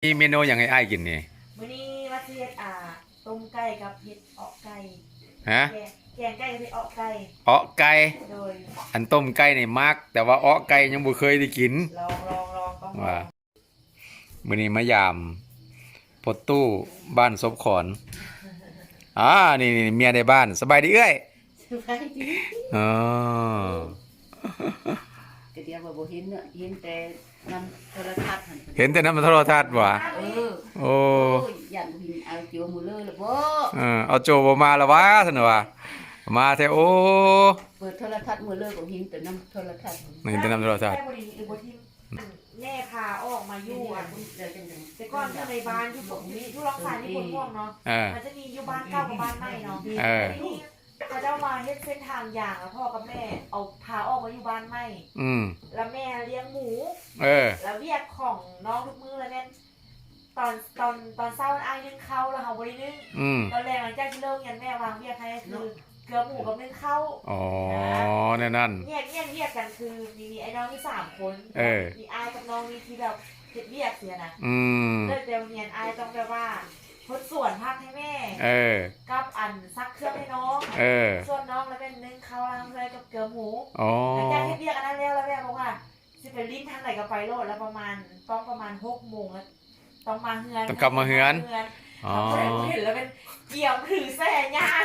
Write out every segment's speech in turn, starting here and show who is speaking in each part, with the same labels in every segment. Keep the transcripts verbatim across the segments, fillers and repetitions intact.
Speaker 1: มีเมนูอย่างไอ้ไอ้ายกินนี่
Speaker 2: มื้อนี้ว่าสิเฮ็ดอ่าต้มไก่กับเห็ดออกไก่
Speaker 1: ฮะ
Speaker 2: แกงแกงไก่กับเห็ดออกไก่
Speaker 1: เอ้อไก่
Speaker 2: โดย
Speaker 1: อันต้มไก่นี่มักแต่ว่าเอ้อไก่ยังบ่เคยได้กิน
Speaker 2: ลองลองลองต้องลอ
Speaker 1: ว่าง มื้อนี้มายามพดตู้บ้านศพขอนอ่านี่ๆเมียในบ้านสบายดีเอ้ย
Speaker 2: สบายดี
Speaker 1: อ๋อ
Speaker 3: ก็เดี๋ยวว่าบ่เห็นเนอะเห็นแต่นำโทรทัศน์หั่น
Speaker 1: เห็นแต่นำโทรทัศน์ว่ะ
Speaker 3: เออ
Speaker 1: โอ้
Speaker 3: โอ้ยยันบ่เห็นเอาเจียวหมูเลยล่ะบ่
Speaker 1: เออเอาโจบ่มาแล้ววะซั่นว่ามาแท้โอ้
Speaker 3: เปิดโทรทัศน์หมูเลยบ่เห็นแต่นำโทรทัศน์
Speaker 1: เห็นแต่นำโทรทัศน์
Speaker 2: แม่บ่ดีหรือบ่ทิมแม่พาออกมาอยู่อ่ะ
Speaker 3: เดี๋ยวจังๆ
Speaker 2: แต่ก่อนอยู่ในบ้านที่ผมนี่ที่ล็อกสายที่คนม่วงเนาะมันจะมีอยู่บ้านเก่ากับบ้านใหม่เนาะทีนี้เขาเจ้ามาเฮ็ดเส้นทางอย่างแล้วพ่อกับแม่เอาพาออกมาอยู่บ้านใหม่
Speaker 1: อืม
Speaker 2: แล้วแม่เลี้ยงหมู
Speaker 1: เออ
Speaker 2: แล้วเรียกของน้องทุกมื้อแล้วแม่ตอนตอนตอนเช้าอ้ายนึ่งข้าวแล้วเฮาบ่ได้นึ่งตอนแรกหลังจากที่เลิกเรียนแม่วางเวียกให้คือเกลือหมูกับนึ่งข้าว
Speaker 1: อ๋อแน่นั่น
Speaker 2: เนี่ยเนี่ยเรียกกันคือมีมีไอ้น้องมีสามคนมีอ้ายกับน้องมีที่แบบเฮ็ดเวียกเสียนะ
Speaker 1: อืม
Speaker 2: เลิกเรียนเรียนอ้ายต้องแบบว่าทดส่วนภาคให้แม่
Speaker 1: เออ
Speaker 2: กับอันซักเครื่องให้น้อง
Speaker 1: เออ
Speaker 2: ส่วนน้องแล้วเป็นนึ่งข้าวล้างเลยกับเกลือหมู
Speaker 1: อ๋อ
Speaker 2: หลังจากเฮ็ดเวียกอันนั้นแล้วแล้วแม่บอกว่าสิไปลิ้นทางไหนก็ไปโลดแล้วประมาณต้องประมาณหกโมงแล้วต้องมาเฮือน
Speaker 1: ต้องกลับมาเฮือน
Speaker 2: อ๋อเห็นแล้วเป็นเกี่ยวถือแส่ย่าง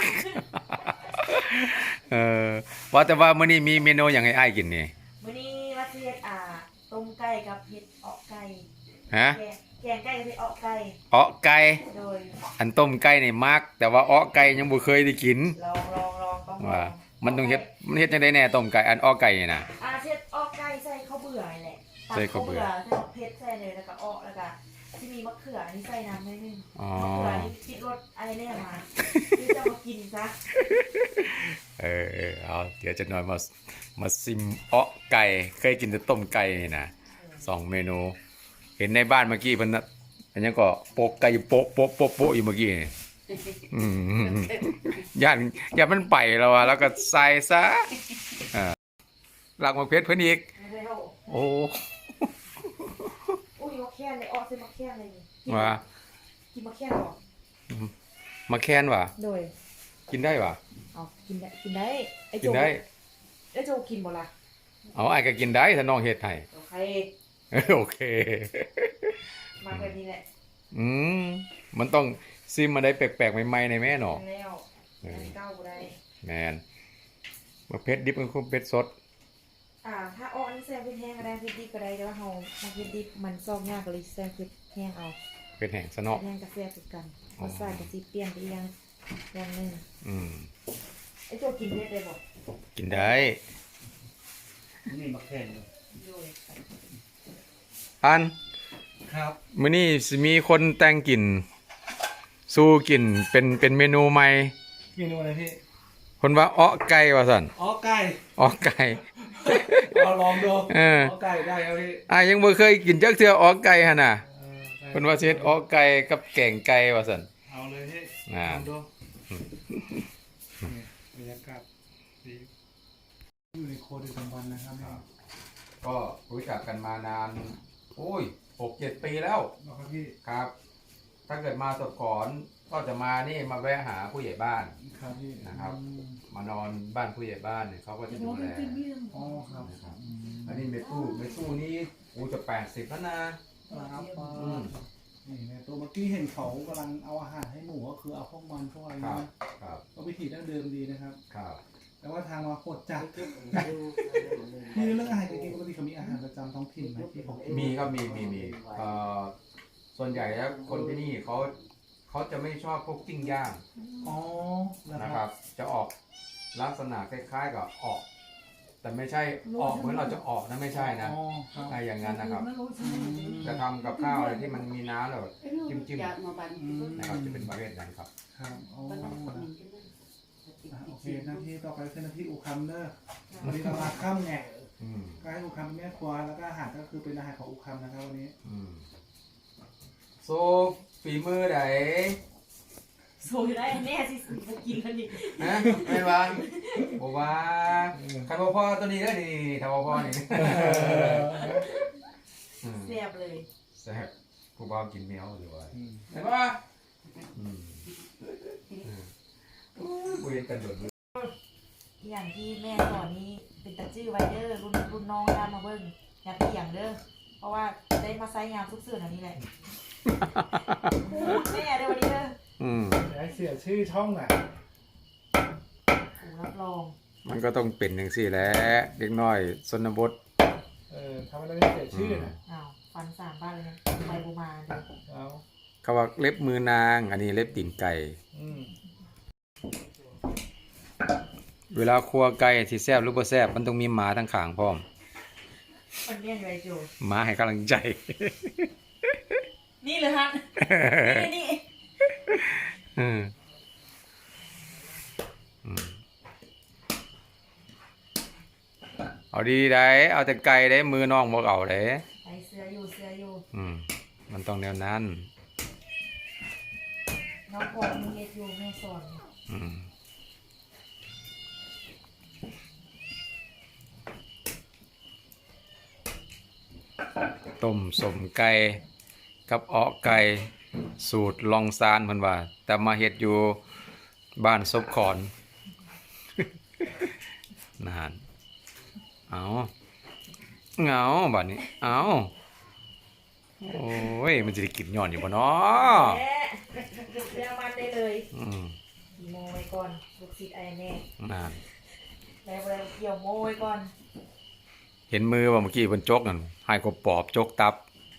Speaker 1: เออว่าแต่ว่ามื้อนี้มีเมนูหยังให้อ้ายกินนี่
Speaker 2: มื้อนี้ว่าสิเฮ็ดอ่าต้มไก่กับเห็ดออกไก่
Speaker 1: ฮะ
Speaker 2: แกงไก่กับเห็ดออกไก่
Speaker 1: เอ้อไก่
Speaker 2: โดย
Speaker 1: อันต้มไก่นี่มักแต่ว่าเอ้อไก่ยังบ่เคยได้กิน
Speaker 2: ลองลองลองต้อง
Speaker 1: ว่ามันต้องเฮ็ดมันเฮ็ดจังได๋แน่ต้มไก่อันอ้อไก่นี่น่ะ
Speaker 2: อ่าเฮ็ดออกไก่ใส่ข้าวเบื่อนี่แหละ
Speaker 1: ใส่ข้าวเบื่อ
Speaker 2: ใส่เผ็ดใส่เลยแล้วก็ออกแล้วก็ที่มีมะเขือนี่ใส่น้ำนิดนึง
Speaker 1: อ๋อ
Speaker 2: มะเขือนี่คิดรสอะไรแน่มาที่จะมากินซะ
Speaker 1: เออเอาเดี๋ยวจะหน่อยมามาซิมเอ้อไก่เคยกินแต่ต้มไก่นี่นะสองเมนูเห็นในบ้านเมื่อกี้เพิ่นอันนี้ก็โปกไก่โปะโปะโปะโปะอยู่เมื่อกี้อืมย่านย่านมันไปแล้วอ่ะแล้วก็ใส่ซะอ่าหลักมาเพชรเพิ่นอีกโอ้
Speaker 2: อุ้ยมะแขนเลยออกใส่มะแขนเลยนี่
Speaker 1: ว่า
Speaker 2: กินมะแขนหรอ
Speaker 1: มะแคนว่ะ
Speaker 2: โดย
Speaker 1: กินได้ว่ะ
Speaker 2: เอากินได้กินได้ไอ้โจ
Speaker 1: กินได้
Speaker 2: ไอ้โจกินบ่ล่ะ
Speaker 1: เอาไอ้ก็กินได้ถ้าน้องเฮ็ดให้
Speaker 2: โอเค
Speaker 1: โอเค
Speaker 2: มาแบบนี้แหละ
Speaker 1: อืมมันต้องซิมมาได้แปลกๆใหม่ๆในแม่เนาะ
Speaker 2: แล้วเก้าบ่ได้
Speaker 1: แม่นมะเพ็ดดิบกับเพ็ดสด
Speaker 2: อ่าถ้าอ้อนี่แซ่บเผ็ดแห้งก็ได้เผ็ดดิบก็ได้แต่ว่าเฮามาเผ็ดดิบมันซอกยากก็เลยแซ่บเผ็ดแห้งเอา
Speaker 1: เผ็ดแห้งซะเนาะ
Speaker 2: แห้งกับแซ่บคือกันรสชาติก็สิเปลี่ยนไปอย่างอย่างนึง
Speaker 1: อืม
Speaker 2: ไอ้โจกินเผ็ดได้บ่
Speaker 1: กินได้
Speaker 4: นี่มะแขน
Speaker 1: อัน
Speaker 4: ครับ
Speaker 1: มื้อนี้สิมีคนแต่งกินสู้กินเป็นเป็นเมนูใหม่
Speaker 4: เมนูอะไรพี่
Speaker 1: คนว่าอ้อไก่ว่าซั่น
Speaker 4: อ้อไก่
Speaker 1: อ้อไก่
Speaker 4: เอาลองดู
Speaker 1: เออ
Speaker 4: อ้อไก่ได้ครับพี่
Speaker 1: อ่ะยังบ่เคยกินจักเทื่ออ้อไก่หั่นน่ะเพิ่นว่าสิเฮ็ดอ้อไก่กับแกงไก่ว่าซั่น
Speaker 4: เอาเลยพี่
Speaker 1: อ่า
Speaker 4: ดูบรรยากาศดีอยู่ในโคดิสัมพันธ์นะครับ
Speaker 1: ก็รู้จักกันมานานโอ้ย หกเจ็ด ปีแล้ว
Speaker 4: ครับพี่
Speaker 1: ครับถ้าเกิดมาสดก่อนก็จะมานี่มาแวะหาผู้ใหญ่บ้าน
Speaker 4: ครับพี่
Speaker 1: นะครับมานอนบ้านผู้ใหญ่บ้านเนี่ยเขาก็จะดูแล
Speaker 4: อ๋อครับ
Speaker 1: อันนี้เมตู้เมตู้นี้กูจะแปดสิบแล้วนะครับ
Speaker 4: นี่ในตัวเมื่อกี้เห็นเขากำลังเอาอาหารให้หมูก็คือเอาพวกมันพวกอะไรนะครับก็วิธีดั้งเดิมดีนะครับ
Speaker 1: ครับ
Speaker 4: แต่ว่าทางมาโคตรจัดนี่เรื่องอาหารจริงๆปกติเขามีอาหารประจำท้องถิ่นไหมที่ผม
Speaker 1: มีครับมีมีมีเอ่อส่วนใหญ่แล้วคนที่นี่เขาเขาจะไม่ชอบพวกจิ้งย่าง
Speaker 4: อ๋อ
Speaker 1: นะครับจะออกลักษณะคล้ายๆกับออกแต่ไม่ใช่ออกเหมือนเราจะออกนะไม่ใช่นะอะไรอย่างนั้นนะครับจะทำกับข้าวอะไรที่มันมีน้ำแล้วจิ้มจิ้มนะครับจะเป็นประเภทนั้นครับ
Speaker 4: ครับโอเคหน้าที่ต่อไปคือหน้าที่อูคัมเนอร์วันนี้เรามาข้ามแง่ก็ให้อูคัมแม่ครัวแล้วก็อาหารก็คือเป็นอาหารของอูคัมนะครับวันนี้
Speaker 1: โซฝีมือไหน
Speaker 2: โซยได้แน่สิกินกันดิ
Speaker 1: นะไม่ว่าบอกว่าใครพ่อพ่อตัวนี้ได้นี่ทำพ่อพ่อนี่
Speaker 2: แซ่บเลย
Speaker 1: แซ่บผู้บ่าวกินแมวหรือว่า
Speaker 4: อืม
Speaker 1: ใช่ป่ะอืมบ่เห็นกันโดดเลย
Speaker 2: อย่างที่แม่สอนนี่เป็นตาจื้อไวเดอร์รุ่นรุ่นน้องตามมาเบิ่งอย่าเถียงเด้อเพราะว่าได้มาใช้งานทุกสื่ออันนี้แหละพูดแม่เด้อวันนี้เด้อ
Speaker 1: อืม
Speaker 4: ไอ้เสียชื่อช่องอ่ะ
Speaker 2: โอ้รับรอง
Speaker 1: มันก็ต้องเป็นจังซี่แหละเด็กน้อยชนบท
Speaker 4: เออทำให้เราได้เสียชื่อนะ
Speaker 2: อ้าวฟันสามบ้านเลยนะไปบูมาเด้อ
Speaker 4: เอา
Speaker 1: เขาว่าเล็บมือนาง อันนี้เล็บตีนไก่
Speaker 4: อืม
Speaker 1: เวลาครัวไก่ที่แซ่บหรือบ่แซ่บมันต้องมีหมาทั้งข้างพร้อม
Speaker 2: มันเรียนอยู่ไอ้จู
Speaker 1: หมาให้กำลังใจ
Speaker 2: นี่เลยฮะนี่นี่
Speaker 1: อืมอืมเอาดีได้เอาแต่ไก่ได้มือน้องบ่เอาได้
Speaker 2: ไอเสื้ออยู่เสื้ออยู่
Speaker 1: อืมมันต้องแนวนั้น
Speaker 2: น้องพอมีเฮ็ดอยู่แม่สอน
Speaker 1: อืมต้มสมไก่กับเออไก่สูตรลองซานเพิ่นว่า แต่มาเฮ็ดอยู่บ้านซบขอน นานเอาเหงาบัดนี้เอาโอ้ยมันจะได้กินย้อนอยู่บ่เนาะ
Speaker 2: แม่เรียกมันได้เลย
Speaker 1: อืม
Speaker 2: โมไว้ก่อนลูกศิษย์ไอ้แน่
Speaker 1: นาน
Speaker 2: แล้วอะไรเกี่ยวโมไว้ก่อน
Speaker 1: เห็นมือว่าเมื่อกี้เพิ่นจกนั่นให้กบปอบจกตับ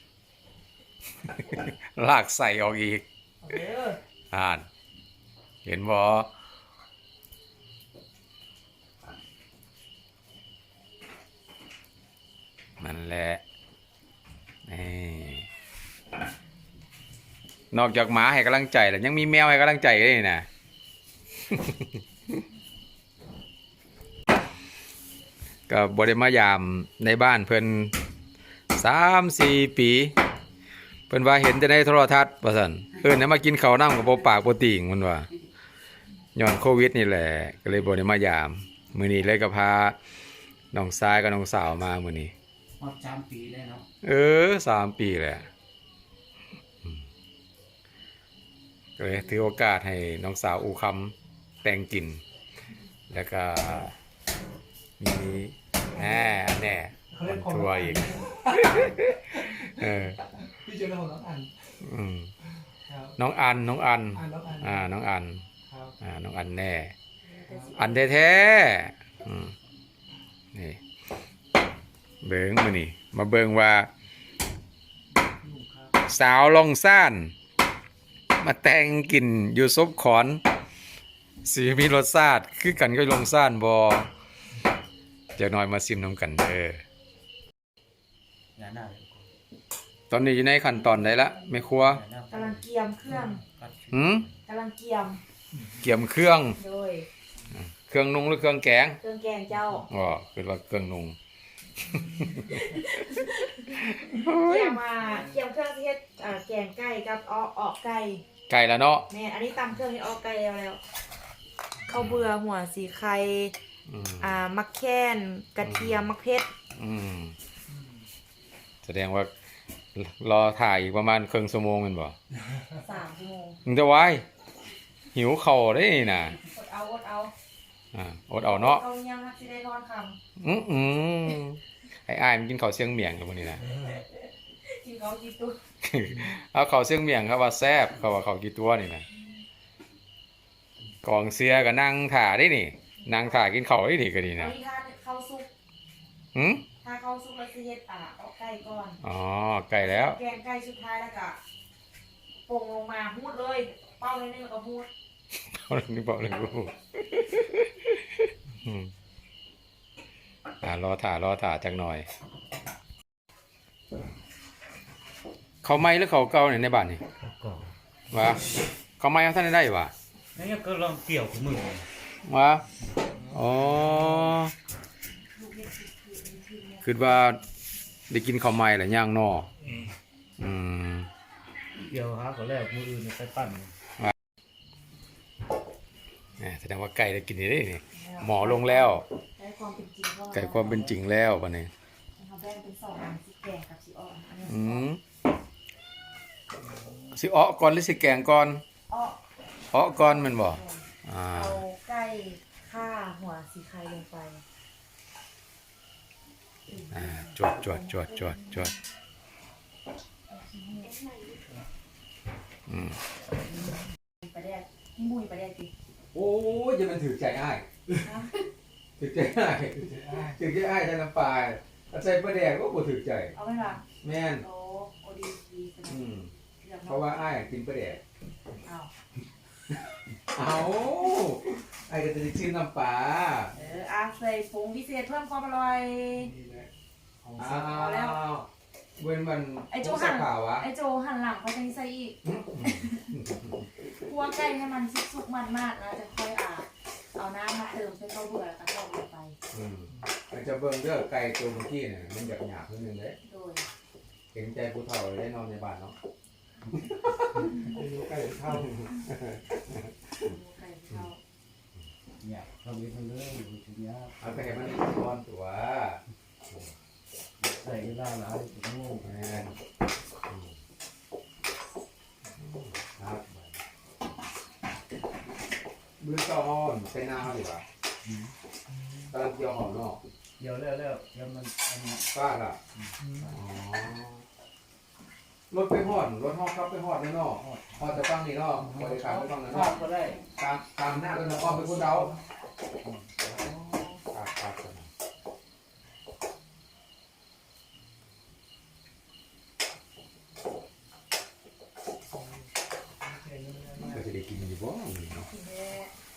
Speaker 1: ลากใส่ออกอีก
Speaker 2: เอาเด้อ
Speaker 1: อ่าน เห็นบ่นั่นแหละนี่นอกจากหมาให้กำลังใจแล้วยังมีแมวให้กำลังใจด้วยนี่นะ ก็บริมายามในบ้านเพิ่นสามสี่ปี เพิ่นว่าเห็นแต่ในโทรทัศน์ว่าซั่นเอิ้นให้มากินข้าวน้ำกับบ่ปากบ่ติ่งมันว่าย้อนโควิดนี่แหละก็เลยบ่ได้มายาม มื้อนี้เลยก็พาน้องชายกับน้องสาวมามื้อนี้
Speaker 5: ฮอดสามปีได้เนาะ
Speaker 1: เออสามปีแหละอืมก็เลยถือโอกาสให้น้องสาวอูคำแต่งกลิ่น แล้วก็มีแหน่แหน่มันทัวร์อีก เออ
Speaker 4: พี่เจอแล้วของน้องอัน
Speaker 1: อืม
Speaker 4: ครับ
Speaker 1: น้องอันน้องอัน
Speaker 4: อันน้องอัน
Speaker 1: อ่าน้องอัน
Speaker 4: ครับ
Speaker 1: อ่าน้องอันแน่ อันแท้ๆอืมนี่เบิ่งมื้อนี้มาเบิ่งว่า
Speaker 4: ลุงครับ
Speaker 1: สาวลองซ่าน มาแต่งกินอยู่ซบขอนสีมีรสชาติคือกันก็ลองซ่านบ่จะน้อยมาซิมน้ำกันเด้อง
Speaker 5: านหน้าเลย
Speaker 1: ตอนนี้อยู่ในขั้นตอนใดละแม่ครัว
Speaker 5: งานหน้าก
Speaker 2: ำลังเกียมเครื่อง
Speaker 1: หืม
Speaker 2: กำลังเกียม
Speaker 1: เกี่ยมเครื่อง
Speaker 2: โดย
Speaker 1: เครื่องนุ่งหรือเครื่องแกง
Speaker 2: เครื่องแกงเจ้า
Speaker 1: อ๋อคือว่าเครื่องนุ่ง
Speaker 2: เกียมมาเกียมเครื่องที่เฮ็ดเอ่อแกงไก่กับออกออกไก่
Speaker 1: ไก่แล้วเนาะ
Speaker 2: แม่อันนี้ตำเครื่องที่ออกไก่แล้วแล้วข้าวเบื่อหัวสีไข่
Speaker 1: อืม
Speaker 2: อ่ามักแค้นกระเทียมมักเพชร
Speaker 1: อืมแสดงว่ารอถ่ายอีกประมาณครึ่งชั่วโมงแม่นบ่
Speaker 2: สามชั่วโมง
Speaker 1: มึงจะไว้หิวเข่าวได้นี่น่ะ
Speaker 2: อดเอาอดเอา
Speaker 1: อ่าอดเอาเนาะ
Speaker 2: เอายังฮักสิได้นอนค
Speaker 1: อืมอืมไอ้อ้ายมันกินข้าวเสียงเมียงกับมื้อนี้นะ
Speaker 2: ำกินเขากินตุ๊ก
Speaker 1: เอาข้าวเสียงเมียงเขาว่าแซ่บเขาว่าเขากี่ตัวนี่นะกองเสียก็นั่งถ่าได้นี่นั่งถ่ากินข้าวได้นี่ก็ดี
Speaker 2: อัน
Speaker 1: นะ
Speaker 2: นี้ถ้าเข้าซุป
Speaker 1: หืม
Speaker 2: ถ้าเข้าซุปแล้วสิเฮ็ดอ่าออกไก่ก่อน
Speaker 1: อ๋อไก่แล้ว
Speaker 2: แกงไก่สุดท้ายแล้วก็ปรุงลงมาพูดเลย เป้านิดนึงแล้วก็พูด
Speaker 1: เอาเรื่องนี้บอกเลยกูอืมอ่ารอถ่ารอถ่าจักหน่อย เขาไหม้หรือเขาเก่าเนี่ยในบ้านนี่
Speaker 5: ก็
Speaker 1: วะเขาไหม้เอาท่านได้วะ
Speaker 5: นี่ก็ลองเกี่ยวกับมือ
Speaker 1: วะอ๋อคือว่าได้กินข้าวไหม้หรือย่างนออืม
Speaker 5: เกี่ยวหาก็แล้วมืออื่นไปปั้น
Speaker 1: เนี่ยแสดงว่าไก่ได้กินได้นี่หมอลงแล้ว
Speaker 2: ได้ความเป็นจริงเข้ามา
Speaker 1: ไก่ความเป็นจริงแล้ววันนี้
Speaker 2: เขาแบ่งเป็นสองอันสีแกงกับสีอ่อนอันนี้
Speaker 1: อืมสิอ้อก่อนหรือสิแกงก่อน
Speaker 2: อ้อ
Speaker 1: อ้อก่อนแมันบ่อ่า
Speaker 2: เอาไก่ข่าหัวสีไข่ลงไป
Speaker 1: อ่าจวดจวดจวดจวดจวดอืม
Speaker 2: ปลาแดกนี่มุยปลาแดกดิ
Speaker 1: โอ้ยจะมันถือใจอ้ายถือใจอ้ายถือใจอ้ายใส่น้ำปลาใส่ปลาแดกก็บ่ถือใจ
Speaker 2: เอาไหมล่ะ
Speaker 1: แม่น
Speaker 2: โอ้โอดีดีสนุ
Speaker 1: อื
Speaker 2: ก
Speaker 1: ม
Speaker 2: เรื่อง
Speaker 1: เพราะว่าอ้ายกินปลาแดก
Speaker 2: เอา
Speaker 1: เอาอ้ายก็จะได้ชื่อน้ำปลา
Speaker 2: เอออาใส่ผงพิเศษเพิ่มความอร่อย
Speaker 4: นี่แหละของ
Speaker 1: อ้
Speaker 4: สด
Speaker 1: าว
Speaker 2: แล้ว
Speaker 1: เว้นมัน
Speaker 2: ไอ้โจ
Speaker 1: สั
Speaker 2: หั่
Speaker 1: ก
Speaker 2: น
Speaker 1: ขาววะ
Speaker 2: ไอโจหันหลังเขาจะใส่อีกคั่วไก่ให้มันสุกๆมันมากนะจะค่อยอ่าเอาน้ำมาเติมใส่ข้าวเบื่อแล้วก็ทอดลงไป
Speaker 1: อืมมันจะเบิ่งเด้อไก่ตัวเมื่อกี้เนี่ยมันหยาบหยาบๆนิดนึงเด้
Speaker 2: โดย
Speaker 1: เห็นใจผู้เฒ่าได้นอนในบ้านเนาะ
Speaker 4: อายุใกล้จะเท่า
Speaker 2: หมูไก่เข้า
Speaker 5: เนี่ยทำเองเลยทีเนี้ย
Speaker 1: เอาไปให้มันนอนตัว
Speaker 5: ใส่เวลาหลายถึงโง่
Speaker 1: แม่นอืมครับมือต่อหอมใส่หน้าเขาดีกว่ากำลังเกี่ยวหอมเนาะ
Speaker 5: เดี๋ยวแล้วแล้วแล้วมันอันนี้
Speaker 1: ป้าล่ะอ๋อรถไปหอดรถห้องครับไปหอดเลยเนาะหอดจะฟังนี่เนาะบริการไปฟังนะ
Speaker 5: ทอ
Speaker 1: เนาะ
Speaker 5: ดก็ได้
Speaker 1: ตามตามหน้าเลยเนาะอ้อมเป็นคนเดาครับครับก็จะได้กินอยู่บ่นี่เนาะ
Speaker 2: ทีนี้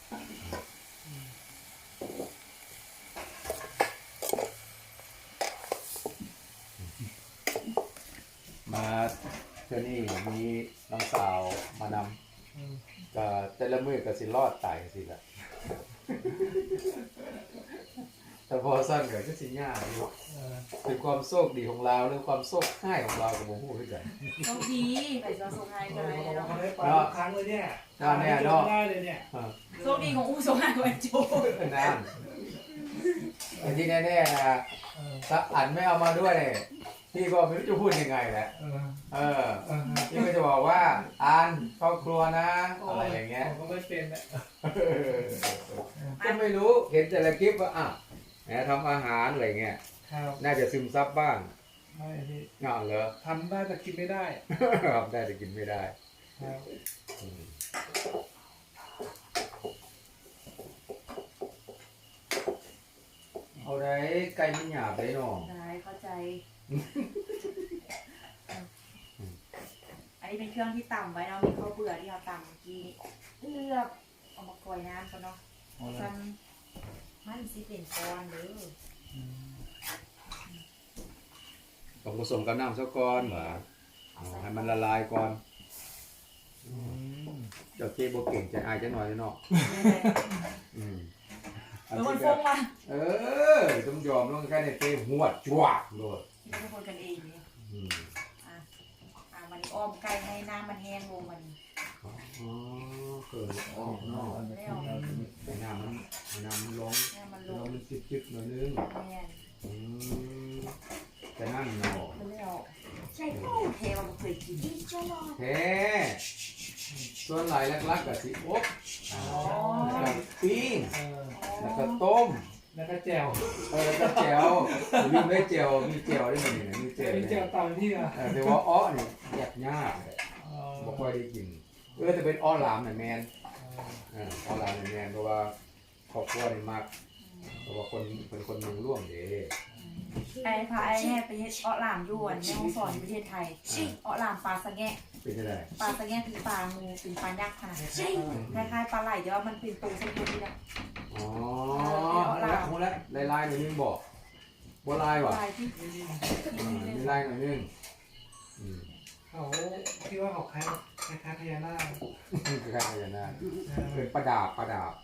Speaker 1: มาเทื่อนี้มีน้องสาวมานำก็แต่ละมือก็สิรอดตายสิล่ะ แต่พอสั้นก็จะสิยากอยู่เป็นความโชคดีของเราหรือความโชคร้ายของเรากับบ่ฮู้คือกัน
Speaker 2: โชคดีไปซอสงไฮ
Speaker 4: เอ
Speaker 2: กัน
Speaker 4: อ
Speaker 2: เลย
Speaker 4: เขาบอก
Speaker 2: เนาะ
Speaker 4: ว่าเขาได้ปลาทุกครั้งเลยเนี่ย
Speaker 1: น่าแน่เนาะ
Speaker 4: ได้เลยเนี่ย
Speaker 1: อ่า
Speaker 2: โชคดีของอู้สงไฮกับไอโจ
Speaker 1: นั่นแต่ที่แน่ๆนะ
Speaker 4: เออ
Speaker 1: ถ้าอันไม่เอามาด้วยเนี่ยพี่ก็ไม่รู้จะพูดยังไงแหละ
Speaker 4: เออ
Speaker 1: เออ
Speaker 4: เออ
Speaker 1: พี่ก็จะบอกว่าอันครอบครัวนะอะไรอย่างเงี้ย
Speaker 4: ผมก็ไม่เป็นแหละ
Speaker 1: ก็ไม่รู้เห็นแต่ละคลิปว่าอ่ะแหมทำอาหารอะไรเงี้ย
Speaker 4: ครับ
Speaker 1: น่าจะซึมซับบ้าง
Speaker 4: ไม่พี่
Speaker 1: งานเหรอ
Speaker 4: ทำได้แต่กินไม่ได้
Speaker 1: ครับได้แต่กินไม่ได้
Speaker 4: ครับ
Speaker 1: อืมเอาได้ไก่มันหยาบได้เนาะ
Speaker 2: ได้เข้าใจ อันนี้เป็นเครื่องที่ต่ำไว้เนาะมีข้าวเบื่อที่เราต่ำเมื่อกี้เลือกเอามากรอยน้ำก่อนเนาะซันมันสิเป็นก้อนเด้อ
Speaker 1: ต้องผสมกับน้ำซะก่อนเหรออ๋อให้มันละลายก่อน
Speaker 4: อืม
Speaker 1: เจ้าเจ๊บ่เก่งใจอายจะหน่อยเนาะอืมอัน
Speaker 2: แล้วมัน
Speaker 1: ที่
Speaker 2: ฟ
Speaker 1: ก็
Speaker 2: งมา
Speaker 1: เออต้องยอมต้องแค่ในเจ๊หัวจวดโลด
Speaker 2: ที่ทุกคนกันเองเนี่ย
Speaker 1: อืม
Speaker 2: อ่ะอ่ะมันอ้อมไก่ให้น้ำมันแห้งลงมัน
Speaker 1: อ๋อเกิดออกเนาะ
Speaker 2: ไม่เอา
Speaker 1: ให้น้ำมันให้น้ำมันลง
Speaker 2: ให้มันล
Speaker 1: แล้ว
Speaker 2: ง
Speaker 1: มันจิบๆหน่อยนึง
Speaker 2: แม่น
Speaker 1: อืมแต่นั่นเนาะ
Speaker 2: มันไม่เอาใช่เทมันเคยกิน
Speaker 1: แท้ส่วนหลายลักๆกับสิอบ
Speaker 2: อ๋อ
Speaker 1: แล้วก็ปิ้ง
Speaker 4: เออ
Speaker 1: แล้วก็ต้ม
Speaker 4: แล้วก็แจ่ว
Speaker 1: เออแล้วก็แจวลืมได้แจวมีแจวได้ไหมเนี่ยมีแจ
Speaker 4: แจ่ว
Speaker 1: ว
Speaker 4: นี่แจ่
Speaker 1: เนี่
Speaker 4: วย ตามที่อ่ะ
Speaker 1: เออแต่ว่าอ้อเนี่ยยากยากเลย
Speaker 4: เออ
Speaker 1: บ่ค่อยได้กินเออแต่เป็นอ้อหลามน่ะแมนเอออ้อหลามน่ะแมนเพราะว่าครอบครัวนี่มักเพราะว่าคนเป็นคนเมืองร่วงเด้
Speaker 2: ไอ้พาไอ้แห่ไปเฮ็ดเอ้อหลามยวนในห้องสอนในประเทศไทยเอ้อหลามปลาสะแงะ
Speaker 1: เป็นจังได๋
Speaker 2: ปลาสะแงะคือปลางูเป็นปลายักษ์ขนาดนี้คล้ายๆปลาไหลแต่ว่ามันเป็นตัวเส้นๆนี่แหละ
Speaker 1: อ๋อแล้วฮู้แล้วลายๆหน่อยนึงบ่บ่ลายว่ะ
Speaker 2: ลายที่
Speaker 1: อืมมีลายหน่อยนึงอืม
Speaker 4: เขาที่ว่าเขาคล้ายคล้ายๆพญานาค
Speaker 1: คือคล้ายๆอย่างนั้น
Speaker 4: เออ
Speaker 1: เป็นประดาบประดาบ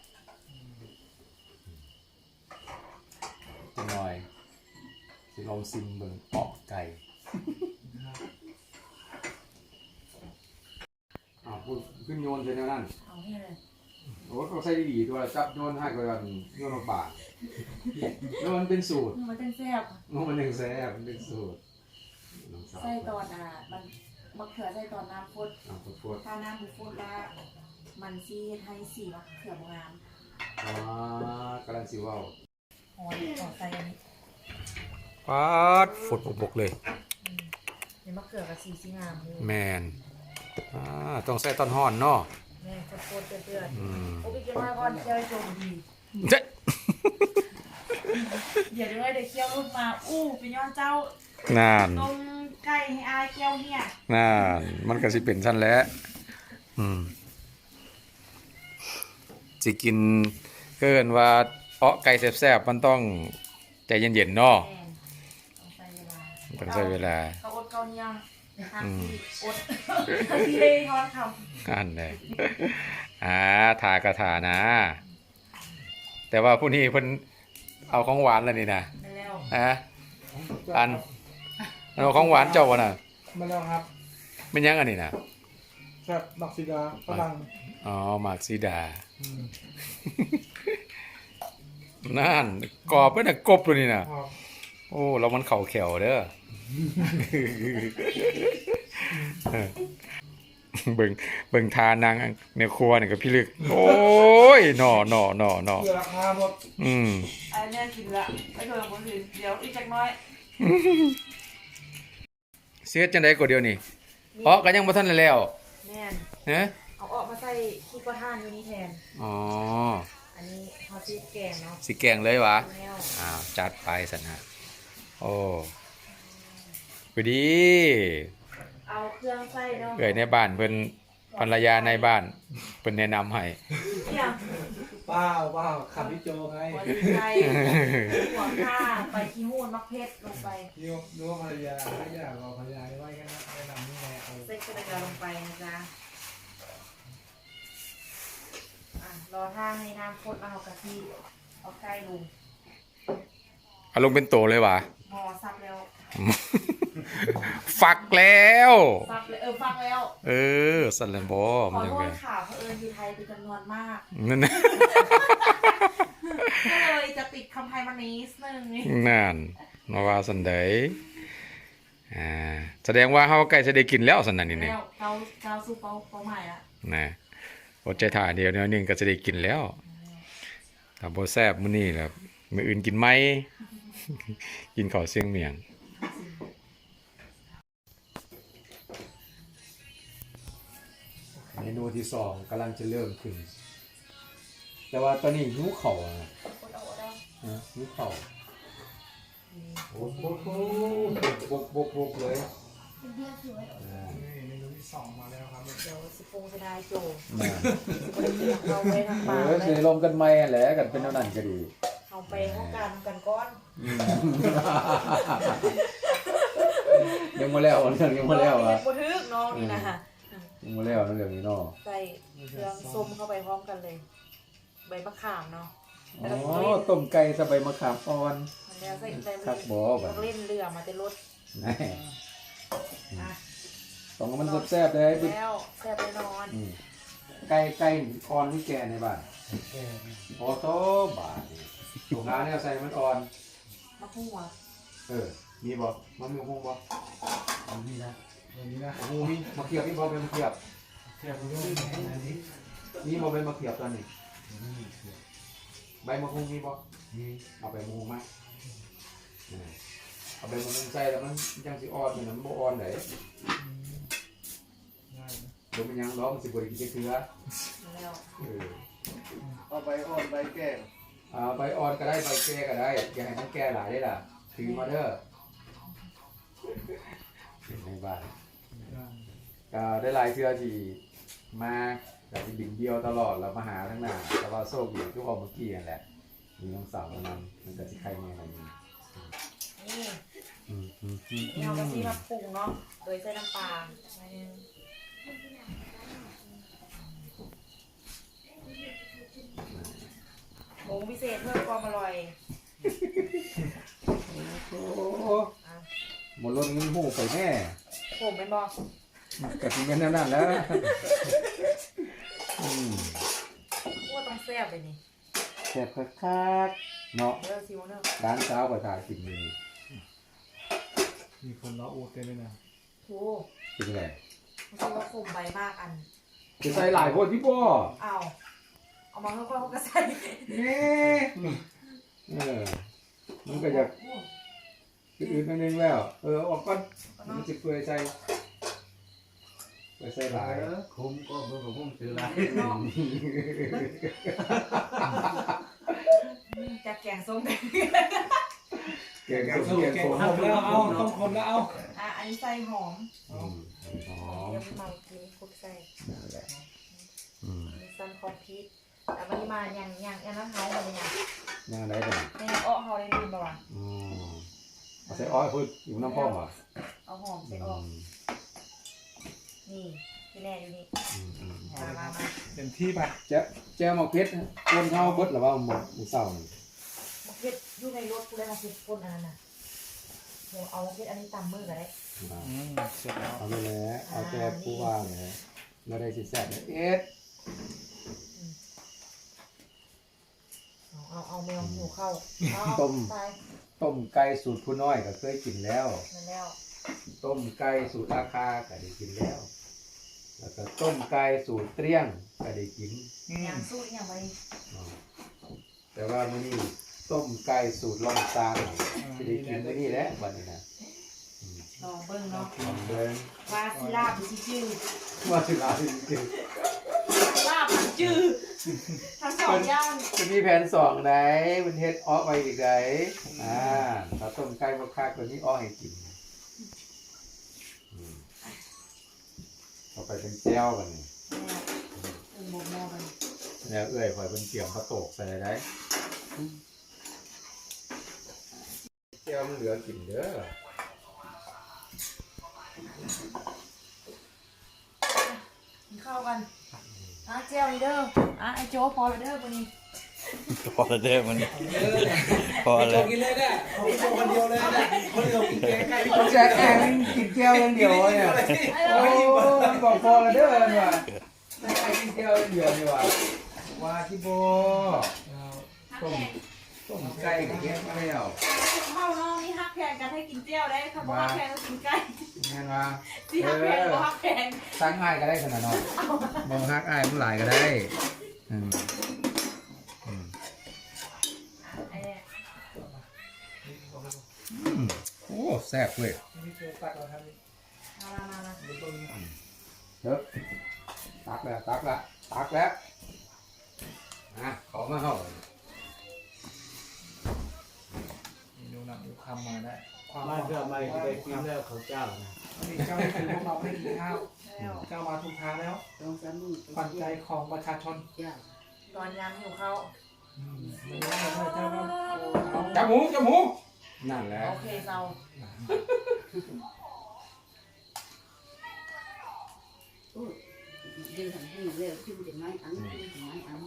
Speaker 1: จังหน่อยสิลองซิมเบิ่งเปาะไก่ อ่าพูดขึ้นโยนใช่ไหมนั่น
Speaker 2: เอาให้เลย
Speaker 1: โอ้เขาใส่ดีๆตัวจับโยนให้ก็ยันโยนออกบาทแล้วมันเป็นสูตร
Speaker 2: มันเป็นแซ่บ
Speaker 1: มันหนึ่งแซ่บมันเป็นสูตรน้องสาว
Speaker 2: ไส้ตอนอ่ะมันมะเขือใส่ตอนน้ำฟด
Speaker 1: เอาพูด
Speaker 2: ถ้าน้ำบุฟดแล้วมันซีให้สีมะเขือบงาม
Speaker 1: ๆอ๋อกำลังสิเว้า
Speaker 2: หอยต่อใส่อันนี้
Speaker 1: ป๊าดฝดบกๆเลย
Speaker 2: ในมะเขือกับสีสีงามเลย
Speaker 1: แมนอ่าต้องใส่ต้นฮ้อนเนาะ
Speaker 2: แม่ฟดๆเดือด
Speaker 1: อืม
Speaker 2: ๆโอ้พี่เกี่ยวมาก่อนเคี่ยวให้โจมดี
Speaker 1: เจ๊
Speaker 2: เดี๋ยวด้วยเดี๋ยวเคี่ยวรุ่นมาอู้เป็นย้อนเจ้า
Speaker 1: นั่น
Speaker 2: ต้มไก่ให้อายเคี่ยวเนี่ย
Speaker 1: นั่นมันก็สิเป็นซั่นแหละอืมสิกินเกินว่าเอ้อไก่แซ่บๆมันต้องใจเย็นๆเนาะ
Speaker 2: แม่ต้องใส่เวลา
Speaker 1: ต้องใช้เวลา
Speaker 2: เขาอดเกาเนี่ยงทาง
Speaker 1: อืม
Speaker 2: ที่อดที่ได้ทอดคำ
Speaker 1: อันเลยอ่าถากระถานะ แต่ว่าผู้นี้เพิ่นเอาของหวานแล้วนี่นะ
Speaker 2: ไปแล้ว
Speaker 1: ฮะอันเอาของหวานเจ้าวะน่ะ
Speaker 4: มาแล้วครับ
Speaker 1: เป็นยังอันนี้นะ
Speaker 4: แซ่บบักซีดาฝรั่ง
Speaker 1: อ๋อหมากซีดา
Speaker 4: อืม
Speaker 1: นั่นกรอบเป็นน่ะกบเลยนี่นะ
Speaker 4: ออก
Speaker 1: โอ้เรามันเข่าแขวเด้อ เบิ่งเบิ่งทานางในครัวนี่กับพี่ลึก โอ้ยหน่อหน่อหน่อหน่อ
Speaker 4: เกลือราคาหมด
Speaker 1: อืม
Speaker 2: อันนี้กินละไม่เคยคนอื่นเดี๋ยวอีกจักน้อย
Speaker 1: เสียจังได๋ก็เดียวนี่เพราะก็ยังบ่ทันได้แล้ว
Speaker 2: แม่น
Speaker 1: ฮะ
Speaker 2: เอาออกมาใส่ขี้กระทานอยู่นี่แทน
Speaker 1: อ๋อ
Speaker 2: อันนี้เขาซีแกงเนาะ
Speaker 1: สิแกงเลยวะ
Speaker 2: แล้ว
Speaker 1: อ้าวจัดไปสันนะโอ้พอดี
Speaker 2: เอาเครื่องใส่เนาะ
Speaker 1: เอ่ยในบ้านเพิ่นภรรยาในบ้านเพิ่นแนะนำให้
Speaker 2: เนี่ย
Speaker 4: เป้าเป้าขับพี่โจไง
Speaker 2: หัวดีไก่หัวข้าไปขี้หูนมะเพชรลงไป
Speaker 4: นิวนิวภรรยาไม่อยากรอภรรยาได้ไว้กันนะแนะนำนี่ไงเอา
Speaker 2: ใส่กระเทียมลงไปนะจ๊ะอ่ะรอท่าให้น้ำข้นแล้วเอากะทิเอาไก่ลง
Speaker 1: เอาลงเป็นโตเลยวะ
Speaker 2: หม้อซับแล้ว
Speaker 1: ฝักแล้ว
Speaker 2: ซับเลยเออฟังแล้ว
Speaker 1: เออสันแลนบ่
Speaker 2: ข
Speaker 1: มัน
Speaker 2: อ
Speaker 1: จัง
Speaker 2: โท
Speaker 1: ไง
Speaker 2: ษข่าวเผอิญอยู่ไทยเป็นจำนวนมาก
Speaker 1: นั่นน่ะ
Speaker 2: ก็เลยจะติดคำไทยมานิดนึงนี่
Speaker 1: นั่นมาว่าสันไดอ่าแสดงว่าเฮาใกล้จะได้กินแล้วสันนั่นนี่นี่
Speaker 2: แล้วเกาเกาสู้เป้าเป้าหมายละ
Speaker 1: นะอดใจถ่าเดียวเดียวหนึงก็จะได้กินแล้วถ้าบ่แซ่บมื้อนี้ล่ะมื้ออื่นกินไหม กินข้าวเสียงเมียง เมนูที่สองกำลังจะเริ่มขึ้น แต่ว่าตอนนี้หิวเข่าวอะนะ
Speaker 2: อดเอาอดเอา
Speaker 1: นะหิวเข่าวโอ้โหบกบกบกเลยอ่า
Speaker 4: นี่เมนูที่สองมาแล้วครับ
Speaker 2: เดี๋ยวสิปงสดายโจ
Speaker 1: น่ะ
Speaker 2: คนเดียวเราไปทาง
Speaker 1: เอ
Speaker 2: ป่า
Speaker 1: อ
Speaker 2: เล
Speaker 1: เสีย
Speaker 2: ย
Speaker 1: ลมกันไหมแหละกันเป็นเท่านั้นก็ดี
Speaker 2: เอาไปห้องการกันก้อน
Speaker 1: อืม ยังมาแล้วเรื่องยังมาแล้ว
Speaker 2: น้อง
Speaker 1: อ่ะ
Speaker 2: นี่บัทึกน้องนี่นะฮะ
Speaker 1: ยังมาแล้วเรื่องนี้เนาะ
Speaker 2: ใส่เครื่องส้มเข้าไปพร้อมกันเลย ใบมะขามเนาะ
Speaker 1: อ๋อต้มไก่ใส่ใบมะขามอ่อน
Speaker 2: มันแล้วใส่ใส่
Speaker 1: คักบ่บั
Speaker 2: ต้
Speaker 1: ด
Speaker 2: องเล่นเรือมาเต็มรถ
Speaker 1: แน่
Speaker 2: อ่ะ
Speaker 1: ต้องให้มันแซ่บๆเลย
Speaker 2: แล้วแซ่บแน่นอน
Speaker 1: อืมไก่ไก่อ่อนที่แก่ในบ้าน
Speaker 5: แก
Speaker 1: โอ้โตบาทนี่ถูกหาแนวใส่มันอ่อน
Speaker 2: มะหัว
Speaker 1: เออ มีบ่มันมีหงบ่
Speaker 5: อันนี้นะ
Speaker 4: อย่างนี้นะ
Speaker 1: หงมีมาเขียบมีบ่เป็นมาเขียบ
Speaker 4: แซ่บคุณด้วยอันนี้
Speaker 1: มีบ่เป็นมาเขียบตอนนี้
Speaker 5: นี่เสีย
Speaker 1: ใบมะฮุงมีบ่
Speaker 5: นี่
Speaker 1: เอาใบมะฮุงมาเออเอาใบมะฮุงใส่แล้วมันยังสิอ่อนอยู่นะมันบ่อ่อนได้
Speaker 4: ง่ายนะ
Speaker 1: เดี๋ยวมันยังร้องมันสิบ่ได้กินจักเทื่อ
Speaker 2: แล้ว
Speaker 1: เออ
Speaker 4: เอาใบอ่อนใบแก่
Speaker 1: เอาใบอ่อนก็ได้ใบแก่ก็ได้อย่าให้มันแก่หลายได้ล่ะถือมาเด้อในบ้านก็ได้หลายเทื่อที่มาแต่ที่บิ่งเดียวตลอดแล้วมาหาทั้งหน้าแต่ว่าโชคดีทุกคนเมื่อกี้นั่นแหละมีน้องสาวมานำมันก็สิใครแม่อะไรนี่
Speaker 2: นี่
Speaker 1: อืมอืมอืม
Speaker 2: นี่เอากะทิมาปรุงเนาะโดยใส่น้ำปลาหน่อยนึงผงพิเศษเพิ่มความอร่อย
Speaker 1: โอ้หมดรถเงินหูไปแน่
Speaker 2: ผมเป็นบอก
Speaker 1: กะทิเป็นนั่นนั่นแล้วอืม
Speaker 2: ว่าต้องแซ่บเลยนี่
Speaker 1: แซ่บคักๆเนาะ
Speaker 2: เดี๋ยวซิวเนอะ
Speaker 1: ร้านเช้าก็ถ่ายกินเลย
Speaker 4: มีคนรออูดเต็มเลยนะ
Speaker 2: โอ้
Speaker 1: เป็นไง
Speaker 2: ไม่ใช่ว่าคมใบมากอัน
Speaker 1: จะใส่หลายคนที่บ่
Speaker 2: เอาเอามาค่อยๆเขาก็ใส่
Speaker 1: นี่เออมันก็จะอืดๆนิดนึงแล้ว เออออกก่อนมันจะเปื่อยใส่เปื่อยใส่หลาย
Speaker 5: คุ้มก็เมื่อผมซื้อไร
Speaker 2: จะแกงส้ม
Speaker 1: เก่ง
Speaker 4: แก
Speaker 1: สุ
Speaker 4: ง
Speaker 1: ด
Speaker 4: ส้ม
Speaker 1: เก่ง
Speaker 4: แกง
Speaker 1: สุด
Speaker 4: คนแล้วเอาต้องคนแล้วเอา
Speaker 2: อ่ะอันนี้ใส่หอม
Speaker 1: อืมหอม
Speaker 2: เดี๋ยวไปเมากินคุกใส่
Speaker 1: นั่นแหละอืม
Speaker 2: มีซันคอมพิวแต่วันนี้มาอย่างอย่างอย่างนั้นเฮามาเลยอย่าง
Speaker 1: ย่างได้ป่ะ
Speaker 2: ในอ้อเฮาได้ลืมป่าวะ
Speaker 1: อืมเอาใส่อ้อยพูดอยู่น้ำพ่อมอ่ะ
Speaker 2: เอาหอม
Speaker 1: อื
Speaker 2: ใส่อ้อ
Speaker 1: ม
Speaker 2: นี่ที่แน่อยู่นี่
Speaker 1: อืมอืม
Speaker 2: มามามา
Speaker 4: เต็มที่ไป
Speaker 1: แจ๊แจ๊หมกเพชรคนเท่าเบิดหรือว่าหมกหมูเศร้านี่
Speaker 2: มะเขืออยู่ในรถกูได้มาสิบคนอันนั้นน่ะเดี๋ยวเอามะเขืออันนี้ตำมือก็ได้
Speaker 4: อืมเสร็จแล้ว
Speaker 1: เอาไปเลยเอาแจ๊ผู้ว่าเลยไม่ได้สิแซ่บเลยเอ็ด
Speaker 2: เอาเอาเอาแมวหิวเข้าเอา
Speaker 1: ต้ม
Speaker 2: ไป
Speaker 1: ต้มไก่สูตรผู้น้อยก็เคยกินแล้ว
Speaker 2: นั่นแล้ว
Speaker 1: ต้มไก่สูตรราคาก็ได้กินแล้ว แล้วก็ต้มไก่สูตรเตรี้ยงก็ได้กิน
Speaker 4: อืม
Speaker 2: ยางสู้ยังไง
Speaker 1: อ๋อแต่ว่ามื้อนี้ต้มไก่สูตรล่องซางจะได้กินมื้อนี้แหละบัดนี้นะอืม
Speaker 2: ลองเบิ้งเนาะ
Speaker 1: ลองเดิน
Speaker 2: ว่าสิลาบหรือสิจื้อ
Speaker 1: ว่าสิลาจริง
Speaker 2: ลาบผัดจื้อทั้งสองอย่าง
Speaker 1: ๆจะมีแผนสองไหนมันเฮ็ดอ้อไปอีกไหนอ่าถ้าต้มไก่บ่คักก็มีอ้อให้กินอืมต่อไปเป็นแจ่วบัดนี้
Speaker 2: เออหมกหม้อกัน
Speaker 1: แล้วเอื้อยข่อยเพิ่นเกี่ยวข้าวโตกใส่ได้แจ่วมันเหลือกินเด้อ
Speaker 2: กินข้าวกันอ่ะเจลนี่เด้ออ่ะไอโจ้พอแล้วเด้อวันนี้
Speaker 5: พอแล้วเด้อมันพอ
Speaker 4: โจ
Speaker 5: แล้ว
Speaker 4: กินเลยได้เอาโจคนเดียวเลยได้คนเดียวกินแกงไก่
Speaker 1: แจ๊แองกินแก้วอย่างเดียวเนี่ย โอ้มันบอกพอแล้วเด้อเนี่ยว่ะได้ไอ้กินแก้วอย่างเดียวนี่ว่ะว่าที่โบต้มต้มไก่กับแก้วไม่เอา
Speaker 2: ข้าวน้องนี่ฮักแพงกันให้กินเจียวได้คำว่าฮักแพงก็กินไก่
Speaker 1: งานว่า
Speaker 2: ที่ฮักแพงก็ฮักแพง
Speaker 1: สร้างง่ายก็ได้ขนาดนั้นมองฮักอ้ายมันหลายก็ได้อืมอืม
Speaker 2: ไอ้เนี่ย
Speaker 1: อืมโอ้แซ่บเว้ย
Speaker 4: นี่คือตักเราทำนี่
Speaker 2: มามามามา
Speaker 4: เป็นต้น
Speaker 1: เด้อตักแล้วตักแล้วตักแล้วอ่ะขอมาเข้า
Speaker 4: เมนูนำดูคำมาได้ความ
Speaker 5: มาเพื่อไม่ไปกินแล้วเขาเจ้านะ
Speaker 4: นี่เจ้านี่คือพวกเราไม่กินข้าว
Speaker 2: แล้ว
Speaker 4: เจ้ามาถูกทางแล้ว
Speaker 3: ต้องสามมือ
Speaker 4: ขวัญใจของประชาชน
Speaker 3: จ้า
Speaker 2: ตอนยามหิวข้าว
Speaker 4: ไม่ได้เลยเจ้าก็เอา
Speaker 1: จับหมูจับหมูนั่นแหละ
Speaker 2: โอเคเซา
Speaker 3: ยืนทำให้เร็วขึ้นจะไม่อันขึ้นจะไม่อัน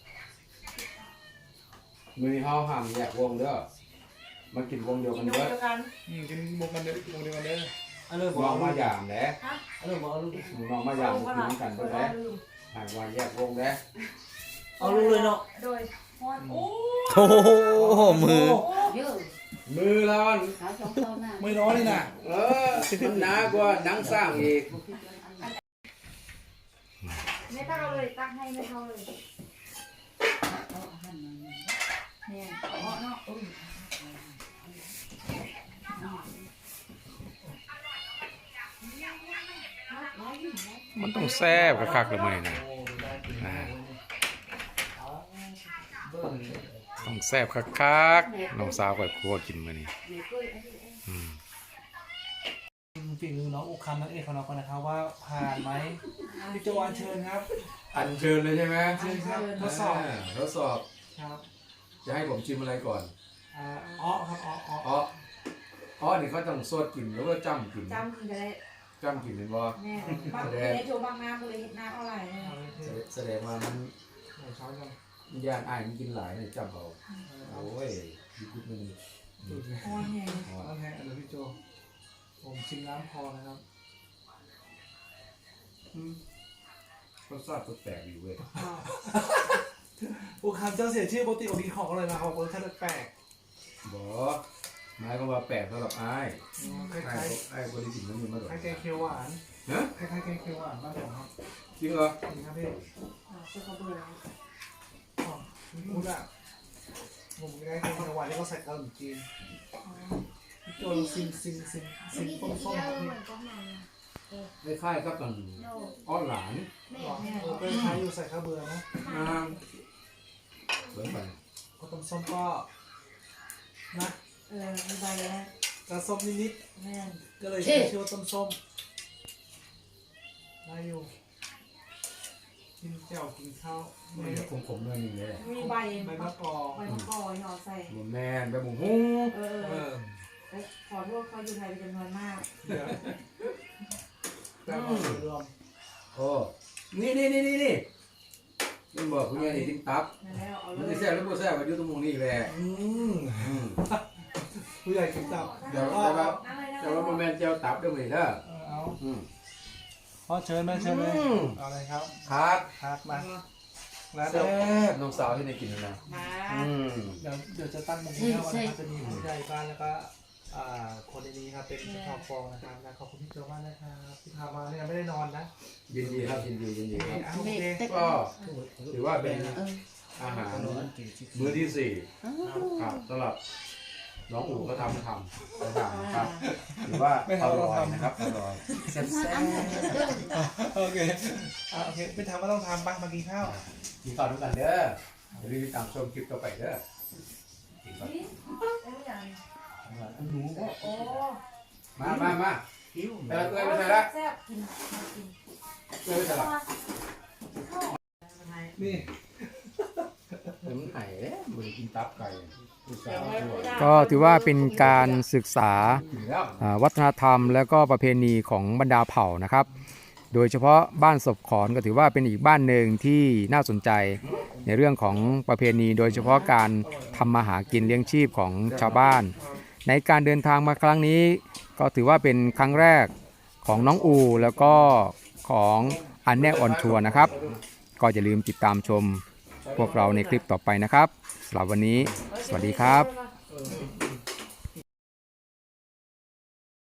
Speaker 1: มือเฮาห้ามแยกวงเด้อมากินวงเดียว
Speaker 2: กิ
Speaker 1: กัน น
Speaker 2: น
Speaker 1: เด้อ
Speaker 2: เดียวกัน
Speaker 4: อืมกินบุกกันเด้อบุกเดียวกันเด้อ
Speaker 5: อันนี้บ
Speaker 1: น้
Speaker 5: อ
Speaker 1: อก งมายามแหละ
Speaker 2: ฮะ
Speaker 5: อันนี้บอกเอาลูก
Speaker 1: น้องมายามกินกัน
Speaker 2: โด
Speaker 1: เด้
Speaker 2: ย
Speaker 1: อแหละ
Speaker 2: ลืม
Speaker 1: หากว่าแยกวงเด้อ
Speaker 5: เอาลูกเลยเนาะ
Speaker 2: โดยพอนโอ้
Speaker 5: โอ้โหมือ
Speaker 3: เยอะ
Speaker 1: มือเรา
Speaker 3: ขาสองเท่าหน้า
Speaker 4: ไม่ร้อนเลยนะ
Speaker 1: เออมันหนากว่าหนังสร้างอีก
Speaker 2: ไม่ตั้งเอาเลยตั้งให้ไม่เท่าเลยเนี่ยเอาเนาะอุ้ย
Speaker 1: มันต้องแซ่บคักๆเลยมื้อนี้นะต้องแซ่บคักๆน้องสาวก็ครัวกินมื้อนี้อืม
Speaker 4: ฝีมือน้องอุคำนั่นเองของเรากันนะครับว่าผ่านไหมพี่โจอัญเชิญครับ
Speaker 1: อันเชิญเลยใช่ไหม
Speaker 4: เชิญครับทดสอบ
Speaker 1: าทดสอบ
Speaker 4: ครับ
Speaker 1: จะให้ผมชิมอะไรก่อน
Speaker 4: อ่าอ้อครับอ้ออ้อ
Speaker 1: อ๋ออ๋อนี่เขาต้องสดกินหรือว่าจ้ำกิน
Speaker 2: จำกินจะได้
Speaker 1: จ้ำกินเป็นบ่
Speaker 2: แม่บางทีในโชว์บางน้ำก็เลยเห็นน้ำเท่าไหร่เนี่ย
Speaker 4: เอาเลยเชิญ
Speaker 1: แสดงว่ามัน
Speaker 4: เดี๋ยวช้อนกัน
Speaker 1: ญาติอ้ายมันกินหลายเนี่ยจ้ำเอาโอ้ยดีกุดมัน
Speaker 4: ดูดเลย
Speaker 2: โอ้ยแห้ง
Speaker 1: อ๋อ
Speaker 4: น้ำแห้งเดี๋ยวพี่โจผมชิมน้ำพอนะครับ
Speaker 1: อืมรสชาติแปลกๆอยู่เว้ย
Speaker 4: อุคำเจ้าเสียชื่อปกติของกินของอะไรมาเขารสชาติแปลก
Speaker 1: บ่หมายความว่าแปลกสำหรับอ้าย
Speaker 4: ๆค
Speaker 1: อ้า
Speaker 4: ล้าย ย
Speaker 1: อ้ายบ่ได้กินมันนี่มาดอก
Speaker 4: ๆคล้ายแกงเขียวหวาน
Speaker 1: อนะ
Speaker 4: คล้ายๆแกงเขียวหวานบ้านผมครับ
Speaker 1: จริงเหรอ
Speaker 4: จริงครับพี่
Speaker 2: อ่าคือเขาเบื่อ
Speaker 4: อ๋อคุณพูดอะผมคล้ายๆแกงเขียวหวานที่เขาใส่ขนมจีนพี่โจลองซิมซิมซิมซิมต้มส้มครับพี่
Speaker 1: คล้ายๆกับกันอ้อนหลาน
Speaker 4: อ๋อเออเป็นคล้ายอยู่ใส่ข้าวเบื่อนะ
Speaker 1: อ่าเหมือนกัน
Speaker 4: ก็ต้มส้มก็นะ
Speaker 2: เออมีใบแล้ว
Speaker 4: กระส้มนิด
Speaker 2: แม่น
Speaker 4: ๆก็เลยใช้ชื่อว่าต้มส้มได้อยู่กินแจ่วกินข้าว
Speaker 1: ไม่
Speaker 4: ไม่
Speaker 1: ได้ขมๆเลยนี่เลย
Speaker 2: มีใบ
Speaker 4: ใบมะกอก
Speaker 2: ใบมะกอกหยอดใส่
Speaker 1: หมูแม่นแบบหมูหุ้ง
Speaker 2: เออ
Speaker 4: เออ
Speaker 2: เออขอโทษเขาอยู่ไทยเป็นจำนวนมาก
Speaker 4: เดี๋ยวแต่ว่ารวม
Speaker 1: โอ้นี่นี่นี่นี่นี่นี่บอกคุณยายนี่ทิ้งตับ
Speaker 2: นั่นแล้วเอาเล
Speaker 1: มัน
Speaker 2: ย
Speaker 1: จะแซ่บหรือบ่แซ่บมาอยู่ตรงมุมนี้แหละ
Speaker 4: อืม
Speaker 1: อืม
Speaker 4: ผู้ใหญ่กินตับ
Speaker 1: เดี๋ยวแต่ว่าแต่ว่าบ่แม่นเจียวตับเด้อมื้อนี้เด้อ
Speaker 4: เออเอา
Speaker 1: อืม
Speaker 4: พ่อเชิญแม่เชิญเลย
Speaker 1: อืม
Speaker 4: เอาเลยครับ
Speaker 1: ครับ
Speaker 4: ครับมาแล้ว
Speaker 1: แซ่
Speaker 4: เดี๋ยว
Speaker 1: บน้องสาวที่ได้กินแล้วนะ
Speaker 2: มา
Speaker 1: อืม
Speaker 4: เดี๋ยวเดี๋ยวจะตั้งมุมนี้นะวันนี้จะมีผู้ใหญ่บ้านแล้วก็อ่าคนในนี้ครับเป็นชาวฟองนะครับนะขอบคุณพี่โจมากนะครับที่พามาเนี่ยไม่ได้นอนนะ
Speaker 1: ยินดีครับยินดียินดีครับ
Speaker 4: อ่ะโอเค
Speaker 1: ก็ถือว่าเป็น
Speaker 3: เออ
Speaker 1: อาหารมื้อที่สี่ครับสำหรับน้องอู๋ก็ทำทำทำครับถือว่าอร่อยนะครับอร่อยแซ่บ
Speaker 4: โอเคอ่ะโอเคไม่ทำก็ต้องทำบ้างมากินข้าว
Speaker 1: ๆกินข้าวด้วยกันเด้ออย่าลืมติดตามชมคลิปต่อไปเด้อกินก่อน
Speaker 2: เอ้ยอย่าง
Speaker 1: หนูก็
Speaker 2: โอ้
Speaker 1: มามามาแต่ละตัวไม่ใช่ละ
Speaker 2: แซ่บกินกิน
Speaker 1: ตัวไม่ใช่ละ
Speaker 4: นี่
Speaker 1: เดี๋ยวมันไห่เอ๊ะมันกินตับไก่อุตส่าห์ช่วย
Speaker 6: ก็ถือว่าเป็นการศึกษา
Speaker 1: กินแล้ว
Speaker 6: อ่าวัฒนธรรมและก็ประเพณีของบรรดาเผ่านะครับ โดยเฉพาะบ้านศพขอนก็ถือว่าเป็นอีกบ้านหนึ่งที่น่าสนใจในเรื่องของประเพณี โดยเฉพาะการทำมาหากินเลี้ยงชีพของชาวบ้าน ในการเดินทางมาครั้งนี้ ก็ถือว่าเป็นครั้งแรกของน้องอูแล้วก็ของอันแน่ออนทัวร์นะครับ ก็อย่าลืมติดตามชมพวกเราในคลิปต่อไปนะครับสำหรับวันนี้สวัสดีครับ
Speaker 2: มา